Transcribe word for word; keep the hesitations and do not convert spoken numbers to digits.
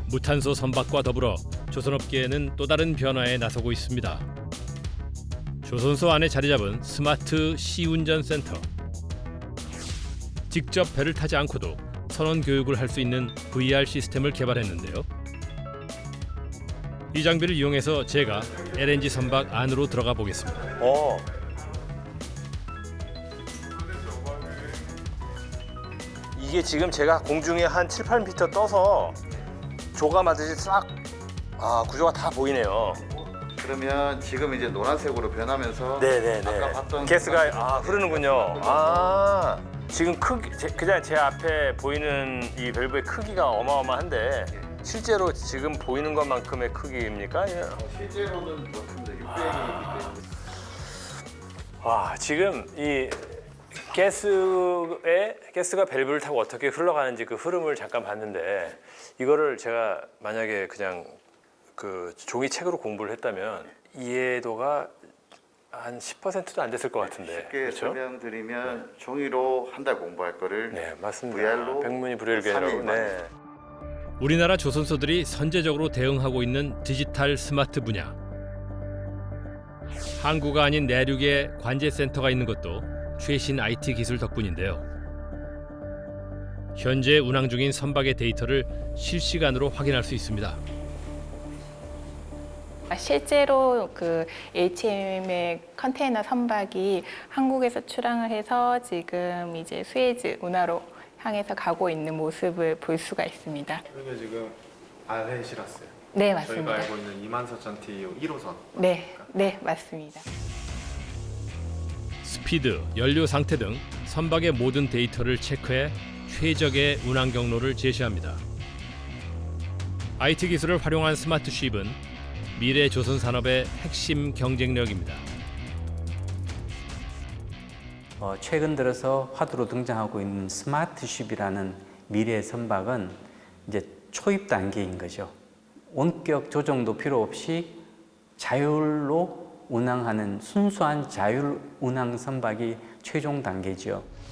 무탄소 선박과 더불어 조선업계에는 또 다른 변화에 나서고 있습니다. 조선소 안에 자리 잡은 스마트 시운전센터. 직접 배를 타지 않고도 선원 교육을 할 수 있는 브이알 시스템을 개발했는데요. 이 장비를 이용해서 제가 엘엔지 선박 안으로 들어가 보겠습니다. 어. 이게 지금 제가 공중에 한 칠, 팔 미터 떠서 조감하듯이 싹 아, 구조가 다 보이네요. 그러면 지금 이제 노란색으로 변하면서 네네네. 아까 봤던 가스가 아 흐르는군요. 아 지금 크기 제- 그냥 제 앞에 보이는 이 밸브의 크기가 어마어마한데 실제로 지금 보이는 것만큼의 크기입니까? 아니면- 어, 실제로는 그렇습니다. 육백이기 때문에. 와 지금 이 가스에 가스가 밸브를 타고 어떻게 흘러가는지 그 흐름을 잠깐 봤는데 이거를 제가 만약에 그냥 그 종이책으로 공부를 했다면 이해도가 한 십 퍼센트도 안 됐을 것 같은데. 쉽게 그렇죠? 설명드리면 종이로 한 달 공부할 거를 네 맞습니다. 브이알로 백문이 불여일견이라고. 삼 일 만에. 네. 우리나라 조선소들이 선제적으로 대응하고 있는 디지털 스마트 분야. 항구가 아닌 내륙에 관제센터가 있는 것도 최신 아이티 기술 덕분인데요. 현재 운항 중인 선박의 데이터를 실시간으로 확인할 수 있습니다. 실제로 그 에이치엠의 컨테이너 선박이 한국에서 출항을 해서 지금 이제 수에즈 운하로 향해서 가고 있는 모습을 볼 수가 있습니다. 이게 지금 알헨시라스요. 네, 저희가 맞습니다. 알고 있는 이만사천 티이오 일 호선. 네, 네, 맞습니다. 스피드, 연료 상태 등 선박의 모든 데이터를 체크해 최적의 운항 경로를 제시합니다. 아이티 기술을 활용한 스마트 쉽은 미래 조선 산업의 핵심 경쟁력입니다. 어, 최근 들어서 화두로 등장하고 있는 스마트쉽이라는 미래 선박은 이제 초입 단계인 거죠. 원격 조정도 필요 없이 자율로 운항하는 순수한 자율 운항 선박이 최종 단계죠.